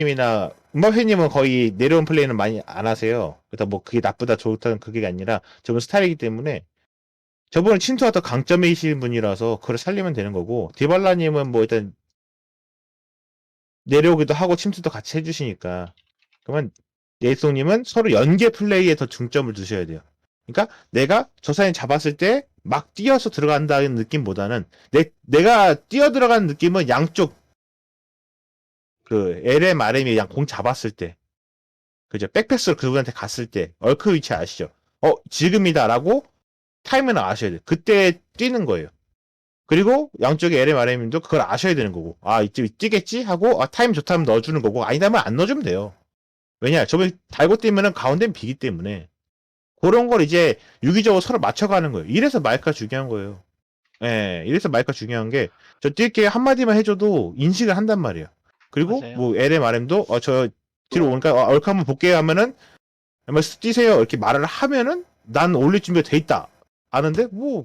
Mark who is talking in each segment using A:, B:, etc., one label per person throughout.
A: 님이나 음바페님은 거의 내려온 플레이는 많이 안 하세요. 그래서 뭐 그게 나쁘다 좋다는 그게 아니라 저분 스타일이기 때문에 저분은 침투가 더 강점이신 분이라서 그걸 살리면 되는 거고 디발라님은 뭐 일단 내려오기도 하고 침투도 같이 해주시니까 그러면 예송님은 서로 연계 플레이에 더 중점을 두셔야 돼요. 그러니까 내가 저 사람 잡았을 때 막 뛰어서 들어간다는 느낌보다는 내가 뛰어 들어가는 느낌은 양쪽 그 LM, RM이 양 공 잡았을 때 그죠? 백패스로 그분한테 갔을 때 얼크 위치 아시죠? 지금이다라고 타이밍을 아셔야 돼요. 그때 뛰는 거예요. 그리고 양쪽에 LM, RM도 그걸 아셔야 되는 거고 이쯤 뛰겠지? 하고 타임 좋다면 넣어주는 거고 아니다면 안 넣어주면 돼요. 왜냐? 저번에 달고 뛰면은 가운데는 비기 때문에 그런 걸 이제 유기적으로 서로 맞춰가는 거예요. 이래서 마이크가 중요한 거예요. 예, 이래서 마이크가 중요한 게 저 뛸게 한마디만 해줘도 인식을 한단 말이에요. 그리고
B: 맞아요.
A: 뭐 LM, RM도 저 뒤로 오니까 얼크 한번 볼게요 하면은 MS 뛰세요 이렇게 말을 하면은 난 올릴 준비가 돼 있다 아는데 뭐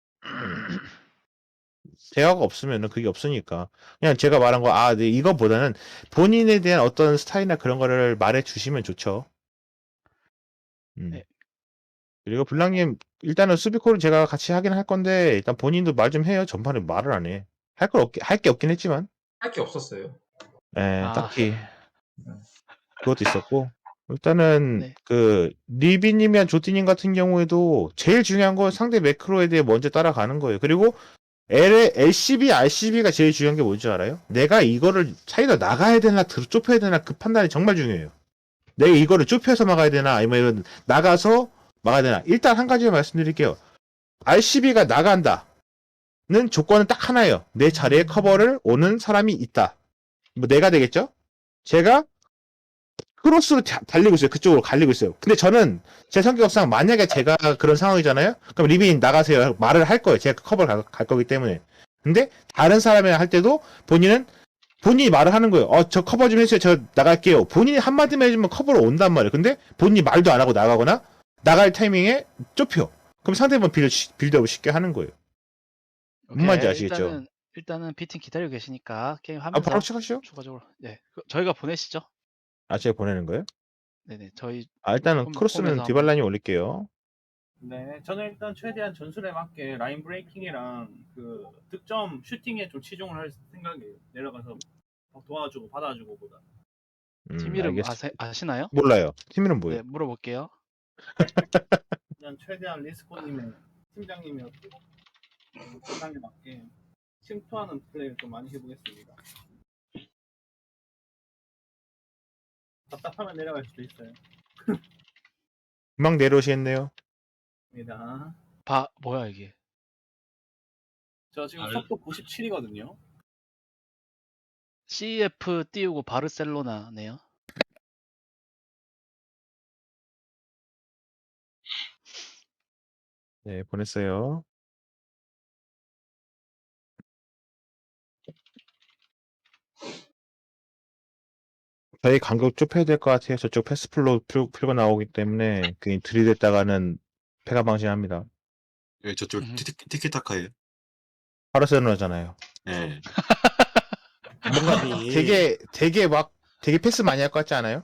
A: 대화가 없으면은 그게 없으니까 그냥 제가 말한 거 네, 이거보다는 본인에 대한 어떤 스타일이나 그런 거를 말해 주시면 좋죠.
B: 네.
A: 그리고 블랑님 일단은 수비콜을 제가 같이 하긴 할 건데 일단 본인도 말 좀 해요. 전판에 말을 안 해. 할 게 없긴 했지만
C: 할 게 없었어요.
A: 딱히 그것도 있었고 일단은
B: 네.
A: 그 리비님이나 조티님 같은 경우에도 제일 중요한 건 상대 매크로에 대해 먼저 따라가는 거예요. 그리고 LCB, RCB가 제일 중요한 게 뭔지 알아요? 내가 이거를 차이더 나가야 되나 좁혀야 되나 그 판단이 정말 중요해요. 내가 이거를 좁혀서 막아야 되나 아니면 나가서 막아야 되나. 일단 한 가지 말씀드릴게요. RCB가 나간다는 조건은 딱 하나예요. 내 자리에 커버를 오는 사람이 있다. 뭐 내가 되겠죠? 제가 크로스로 달리고 있어요. 그쪽으로 갈리고 있어요. 근데 저는 제 성격상 만약에 제가 그런 상황이잖아요. 그럼 리빈 나가세요. 말을 할 거예요. 제가 커버를 갈 거기 때문에. 근데 다른 사람이 할 때도 본인이 말을 하는 거예요. 저 커버 좀 해주세요. 저 나갈게요. 본인이 한마디만 해주면 커버로 온단 말이에요. 근데 본인이 말도 안 하고 나가거나 나갈 타이밍에 좁혀. 그럼 상대방 빌드업을 쉽게 하는 거예요. 뭔 말인지
B: 오케이.
A: 아시겠죠?
B: 일단은 B팀 기다리고 계시니까 게임
A: 바로
B: 하면서
A: 시작하시죠.
B: 추가적으로 저희가 보내시죠.
A: 제가 보내는 거예요?
B: 네네. 저희
A: 일단은
B: 조금
A: 크로스는
B: 보면서 한번.
A: 디발라님 올릴게요.
D: 네, 저는 일단 최대한 전술에 맞게 라인 브레이킹이랑 그 득점 슈팅에 좀 치중을 할 생각이에요. 내려가서 도와주고 받아주고 보다.
B: 팀 이름
A: 알겠습니다.
B: 아시나요?
A: 몰라요. 팀 이름 뭐예요?
B: 네, 물어볼게요.
D: 그냥 최대한 리스코님의 팀장님이었고 세상에 맞게 침투하는 플레이를 좀 많이 해보겠습니다. 답답하면 내려갈 수도 있어요.
A: 금방 내려오시겠네요.
D: 입니다.
B: 뭐야 이게?
D: 저 지금 속도 97이거든요.
B: CF 띄우고 바르셀로나네요.
A: 네, 보냈어요. 저희 간격 좁혀야 될 것 같아요. 저쪽 패스플로 풀고 나오기 때문에 그냥 들이댔다가는 패가 방심합니다.
C: 예, 저쪽
B: 음.
C: 티키타카예요.
A: 바르셀로나잖아요.
C: 예.
A: 뭔가 되게 패스 많이 할 것 같지 않아요?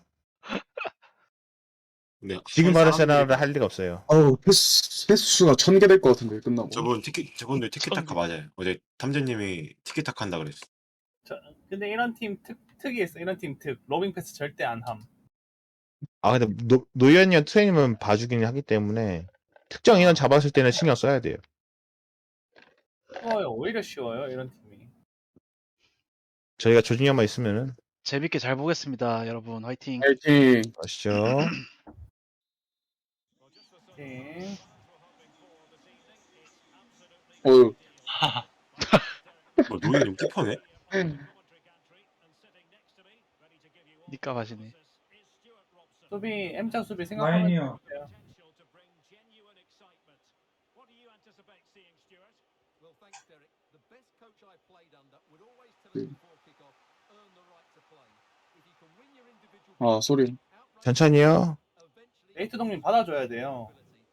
C: 근데
A: 지금
C: 하는
A: 바르셀로나를
C: 사람들이
A: 할 리가 없어요.
E: 패스 수가 1000개 될 것 같은데 끝나고.
C: 저분도 티키타카 맞아요. 어제 탐재님이 티키타카 한다 그랬어.
D: 근데 이런 팀 특이 있어. 이런 팀 로빙 패스 절대 안 함.
A: 근데 노현이와 트레이닝은 봐주긴 하기 때문에 특정 인원 잡았을 때는 신경 써야 돼요.
D: 쉬워요. 오히려 쉬워요. 이런 팀이.
A: 저희가 조준현만 있으면은
B: 재밌게 잘 보겠습니다, 여러분. 화이팅.
E: 파이팅.
A: 아시죠?
D: 네.
E: 어휴.
C: 노예님 키퍼네?
B: 니값 하시네.
D: 수비 M자 수비 생각하면 돼요.
E: 쏘리.
A: 천천히요.
D: 네이트 동님 받아줘야 돼요.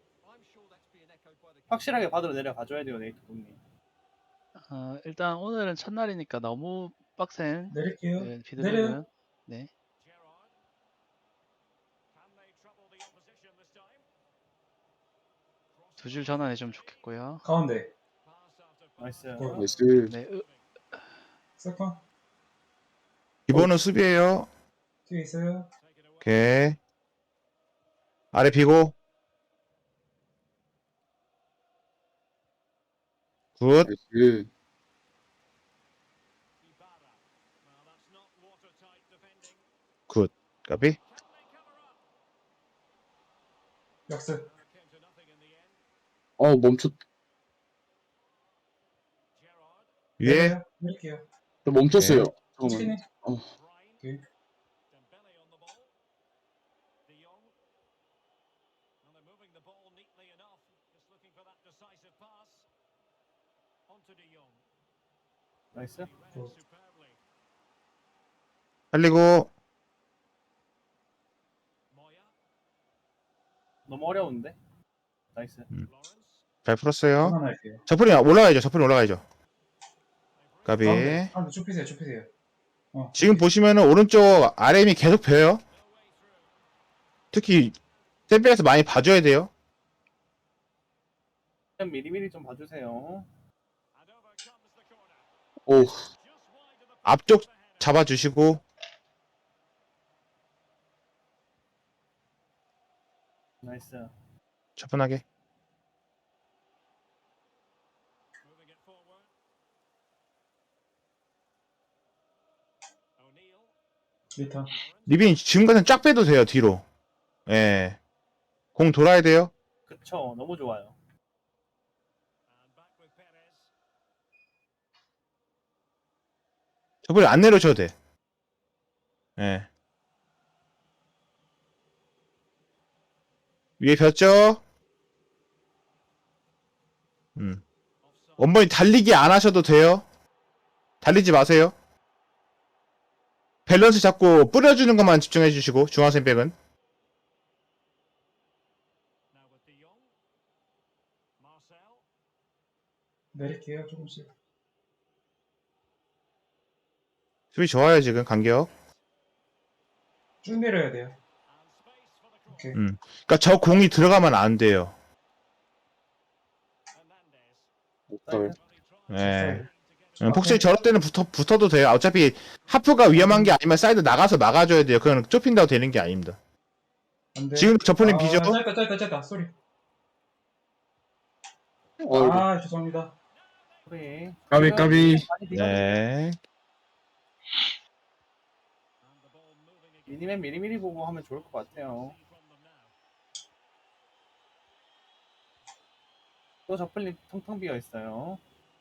D: 확실하게 받으러 내려가줘야 돼요. 네이트 동님.
B: 일단 오늘은 첫날이니까 너무 빡센
F: 내릴게요.
B: 비드백은 네. 두 줄 전환해주면 좋겠고요.
F: 가운데.
D: 나이스.
E: 나이스.
B: 네,
F: 세컨.
A: 기본은 수비예요.
F: 뒤에 있어요.
A: 오케이. 아래 비고. 굿.
E: 나이스.
A: 굿. 까비.
F: 역습.
E: 멈췄.
A: 위에.
F: 밀게요.
E: 나 멈췄어요.
F: 치킨이.
E: 잠깐만. 어,
F: 오케이.
D: 나이스.
A: 살리고.
D: 너무 어려운데. 나이스.
A: 잘 풀었어요.
F: 전환할게요.
A: 저풀이 올라가야죠. 저풀이 올라가야죠. 까비.
F: 가운데 좁히세요. 좁히세요.
A: 지금 보시면은 오른쪽 RM이 계속 벼요. 특히 샌백에서 많이 봐줘야 돼요.
D: 미리미리 좀 봐주세요.
E: 오,
A: 앞쪽 잡아주시고.
D: 나이스.
A: 차분하게.
F: 리턴.
A: 리빈 지금까지는 쫙 빼도 돼요. 뒤로. 예. 공 돌아야 돼요.
D: 그쵸. 너무 좋아요.
A: 저번에 안 내려줘도 돼. 예. 위에 폈죠? 원본이 달리기 안 하셔도 돼요. 달리지 마세요. 밸런스 잡고 뿌려주는 것만 집중해 주시고, 중앙선 백은.
F: 내릴게요. 조금씩.
A: 수비 좋아요, 지금, 간격.
F: 쭉 내려야 돼요. 오케이.
A: 그니까 저 공이 들어가면 안 돼요.
E: 없다.
A: 예. 폭스이 저럴 때는 붙어도 돼요. 어차피 하프가 위험한 게 아니면 사이드 나가서 막아줘야 돼요. 그건 좁힌다고 되는 게 아닙니다.
F: 안 돼.
A: 지금 저폴린 비죠?
F: 짧다. 쏘리.
E: 어이구.
F: 죄송합니다.
D: 우리
E: 까비.
A: 네.
D: 미니맨 미리미리 보고 하면 좋을 것 같아요. 또 저플립 텅텅 비어 있어요.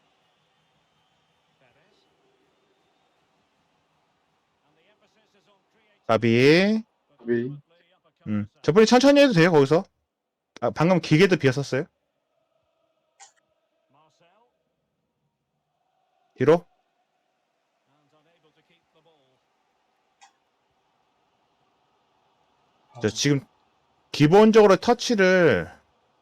A: 가비.
E: 까비.
A: 저분이 천천히 해도 돼요, 거기서. 방금 길게도 비었었어요. 뒤로. 저 지금 기본적으로 터치를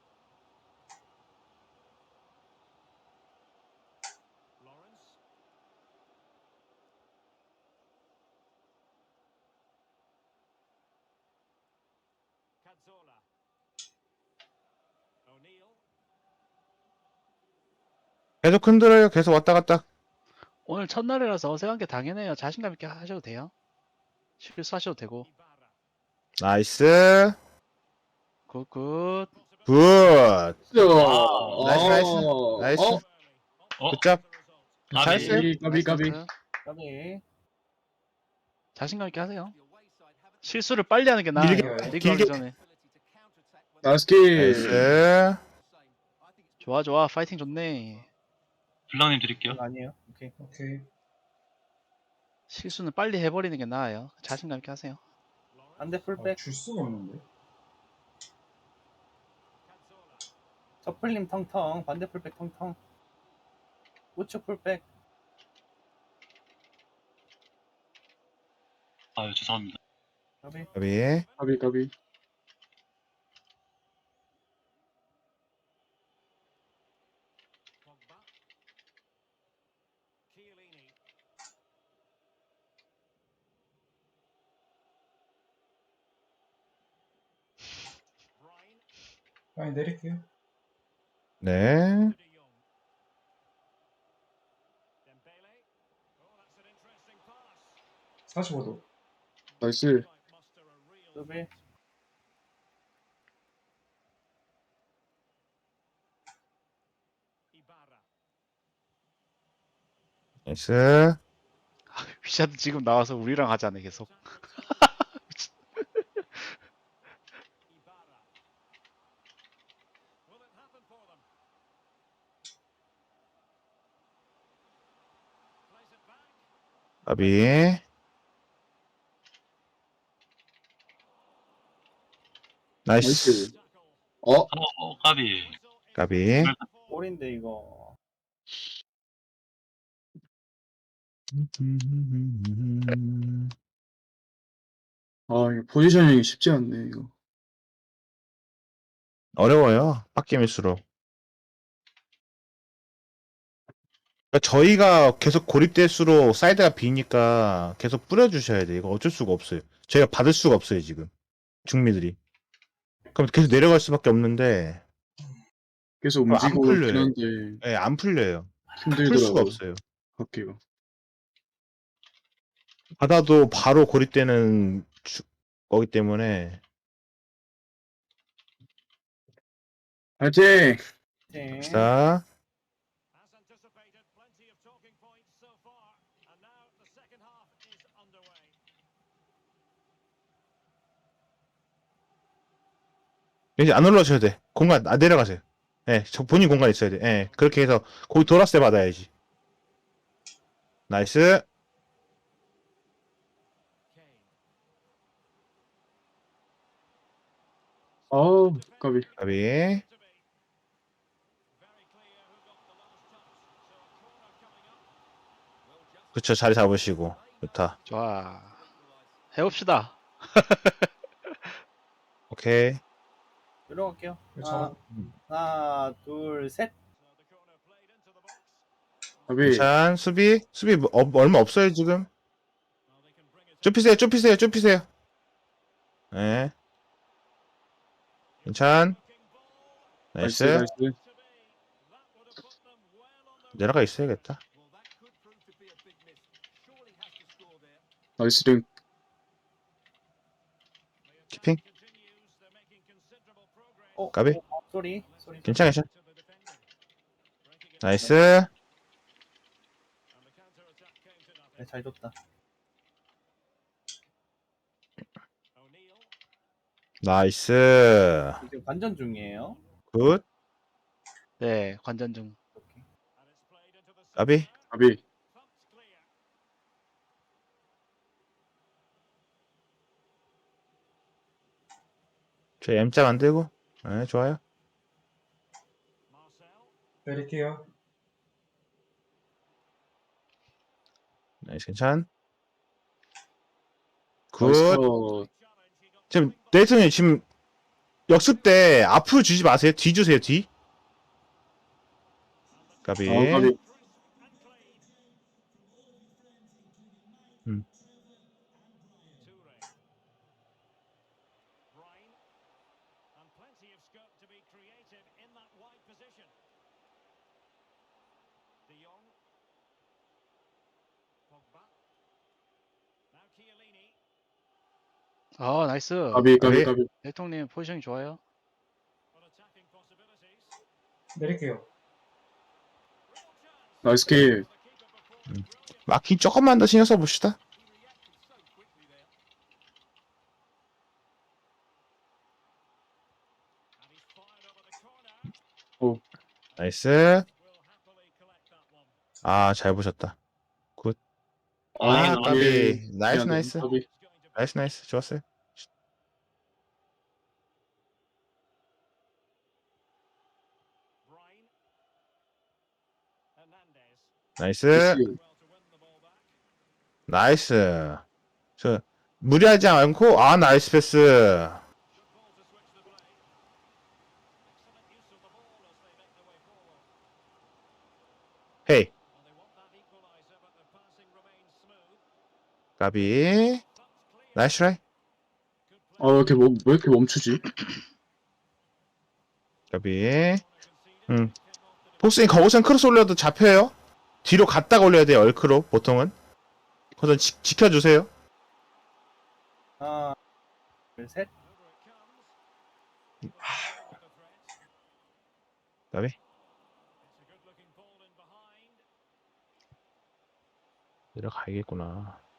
A: 계속 흔들어요. 계속 왔다 갔다.
B: 오늘 첫날이라서 어색한 게 당연해요. 자신감 있게 하셔도 돼요. 실수하셔도 되고.
A: 나이스.
B: 굿굿.
A: 굿. 나이스. 나이스. 굿잡. 잘했어요.
E: 까비.
D: 까비.
B: 자신감 있게 하세요. 실수를 빨리 하는 게 나아요.
A: 길게,
B: 리그 하기
A: 길게.
B: 전에.
E: 나이스 킬.
A: 나이스.
B: 좋아. 파이팅 좋네.
G: 블랑님 드릴게요.
D: 아니에요. 오케이.
F: 오케이.
B: 실수는 빨리 해버리는 게 나아요. 자신감 있게 하세요.
D: 안돼 풀백.
F: 줄 수가 없는데.
D: 저플림 텅텅. 반대 풀백 텅텅. 우측 풀백.
G: 아유 죄송합니다.
D: 까비.
A: 가비.
E: 까비.
F: 많이 내릴게요.
A: 네.
F: (45도)
E: 나이스.
D: 수비.
A: 나이스.
B: 위샤드 지금 나와서 우리랑 하자네 계속.
A: 까비. 나이스.
E: 나이스. 어?
G: 까비.
A: 까비.
D: 골인데 이거.
E: 아, 이거 포지셔닝이 쉽지 않네, 이거.
A: 어려워요. 빡겜일수록. 그러니까 저희가 계속 고립될수록 사이드가 비니까 계속 뿌려주셔야 돼. 이거 어쩔 수가 없어요. 저희가 받을 수가 없어요, 지금. 중미들이. 그럼 계속 내려갈 수밖에 없는데,
E: 계속
A: 안
E: 움직이고 있긴
A: 풀려요.
E: 한데,
A: 예, 안 풀려요. 풀 수가
E: 힘들더라고요.
A: 없어요.
E: 받기가.
A: 받아도 바로 고립되는 거기 때문에.
E: 파이팅!
D: 네.
A: 갑시다. 이제 안 올라오셔야 돼. 공간, 내려가세요. 예, 저 본인 공간 있어야 돼. 예, 그렇게 해서 거기 돌았을 때 받아야지. 나이스.
E: 아우, 까비.
A: 까비. 그쵸, 자리 잡으시고. 좋다.
B: 좋아. 해봅시다.
A: 오케이.
D: 들어갈게요.
F: 저
D: 하나, 둘, 셋.
E: 까비.
A: 괜찮. 수비 얼마 없어요, 지금. 좁히세요. 예. 괜찮.
E: 나이스,
A: 나이스.
E: 나이스.
A: 내려가 있어야겠다.
E: 나이스 링.
A: 키핑. 까비.
D: 소리.
A: 괜찮아. 나이스.
D: 네, 잘 줬다.
A: 나이스.
D: 지금 관전 중이에요.
A: 굿.
B: 네, 관전 중.
D: 오케이.
A: 까비.
E: 까비.
A: 저 M자 만들고. 네, 좋아요.
F: 내릴게요.
A: 나이스, 괜찮. 굿.
E: 나이스 컷.
A: 지금 네이트님 지금 역습 때 앞으로 주지 마세요. 뒤 주세요. 뒤. 까비.
E: 아, 까비.
B: 아, 나이스.
E: 까비,
A: 까비.
E: 까비, 까비.
B: 대통님 포지션이 좋아요.
F: 내릴게요.
E: 나이스 킬.
A: 마킹 조금만 더 신경 써봅시다.
E: 오.
A: 나이스. 아, 잘 보셨다. 굿. 아,
G: 아,
A: 까비. 나이스,
E: 미안해.
A: 나이스.
E: 까비.
A: 나이스. 좋았어요. 나이스.
E: 나이스.
A: 나이스. 저, 무리하지 않고, 나이스 패스. 헤이. 까비. 나이스 트라이.
E: 왜 이렇게 멈추지?
A: 까비. 폭스님 거기선 크로스 올려도 잡혀요. 뒤로 갔다가 올려야 돼요. 얼크로 보통은. 그래서 지켜주세요.
D: 하나, 둘, 셋.
A: 그다음에 내려가야겠구나.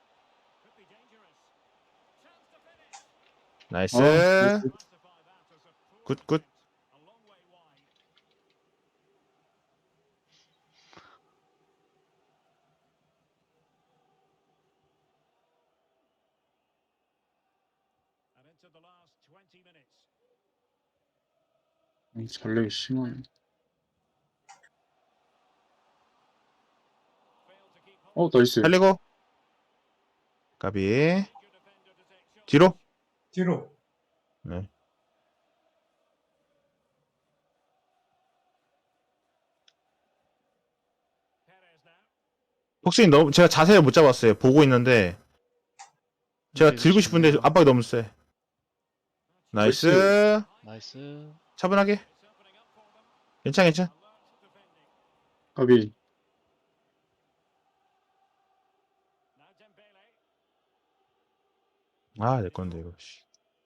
A: 나이스.
E: 아,
A: 굿굿.
E: 전력이 심하네. 나이스.
A: 살리고. 까비. 뒤로.
F: 뒤로.
A: 네. 폭스님 너무 제가 자세를 못 잡았어요. 보고 있는데 제가 들고 싶은데 압박이 너무 세. 나이스.
B: 나이스.
A: 차분하게. 괜찮.
E: 가비.
A: 아, 내 건데 이거. 씨.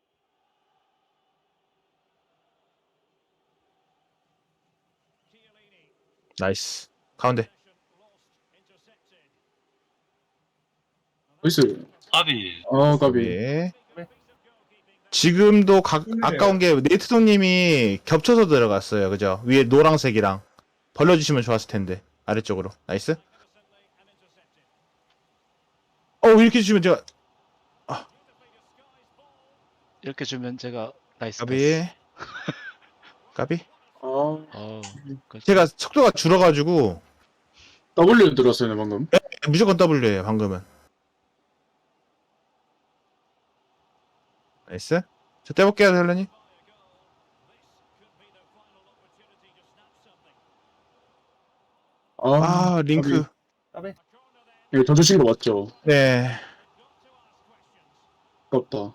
A: 나이스. 가운데.
E: 나이스.
G: 아비.
E: 가비.
A: 예. 지금도 아까운 게 네트동님이 겹쳐서 들어갔어요. 그죠? 위에 노란색이랑 벌려주시면 좋았을 텐데 아래쪽으로. 나이스. 이렇게 주면 제가
B: 이렇게 주면 제가 나이스
A: 까비.
B: 패스.
A: 까비.
B: 어우, 그렇죠.
A: 제가 속도가 줄어가지고
E: W 들었어요, 방금.
A: 무조건 W예요. 방금은. 나이스. 저 떼볼게요, 헬렌이. 링크.
D: 까비.
E: 이거 던져친 거 맞죠?
A: 네.
E: 아깝다.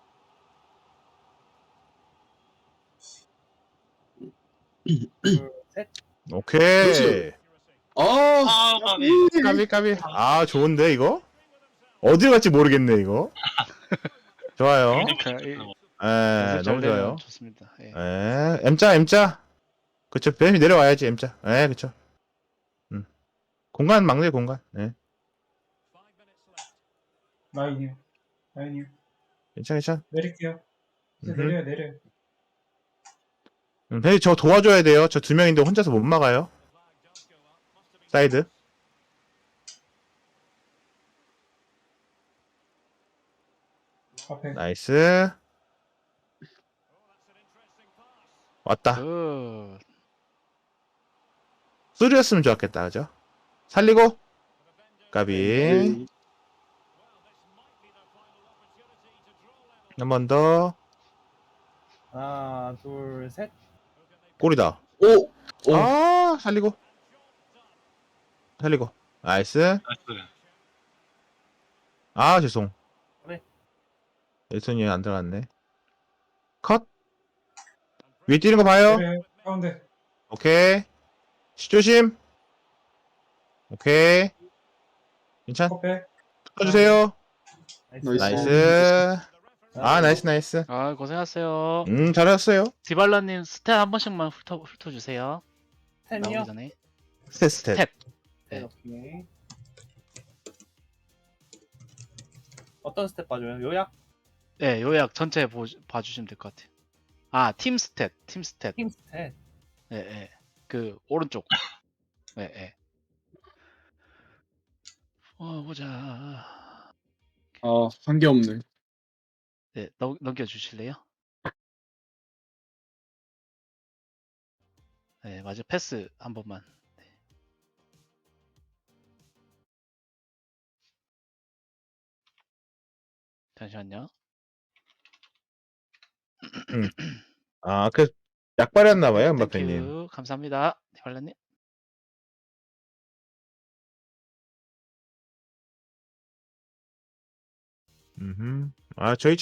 D: 둘, 셋.
A: 오케이.
E: 그렇지.
G: 까비.
A: 까비. 좋은데 이거? 어디 갈지 모르겠네 이거. 좋아요. 너무 좋아요.
B: 좋습니다. 예.
A: M자. 그쵸. 뱀이 내려와야지 M자. 그쵸. 공간 막네 공간.
F: 라인이요. 라인이요.
A: 괜찮.
F: 내릴게요. 이제 내려요.
A: 뱀이 저 도와줘야 돼요. 저 2명인데 혼자서 못 막아요. 사이드.
F: 앞에.
A: 나이스. 왔다.
B: 굿.
A: 쓰리였으면 좋았겠다. 그죠? 살리고. 까비.
E: 네.
A: 한 번 더.
D: 하나, 둘, 셋.
A: 골이다.
E: 오!
A: 살리고. 나이스.
G: 나이스.
A: 죄송.
D: 네.
A: 일손이 안 들어갔네. 컷. 위에 뛰는 거 봐요.
F: 내려요. 가운데.
A: 오케이. 시조심. 오케이. 괜찮?
F: 컵백.
A: 붙어주세요.
E: 나이스.
A: 나이스. 나이스.
B: 고생하셨어요.
A: 잘하셨어요.
B: 디발라님 스탯 한 번씩만 훑어주세요. 나오기
D: 텐이요?
B: 전에.
A: 스텝.
B: 네.
D: 오케이. 어떤 스텝 봐줘요? 요약?
B: 네, 요약 전체 봐주시면 될 것 같아요. 팀 스탯.
D: 팀 스텝.
B: 네. 그 오른쪽. 네. 보자.
E: 한 게 없네.
B: 네, 넘겨주실래요? 네, 맞아. 패스 한 번만. 네. 잠시만요.
A: 약발이었나봐요, 음바페님.
B: 땡큐. 감사합니다. 디발라님.
A: 저희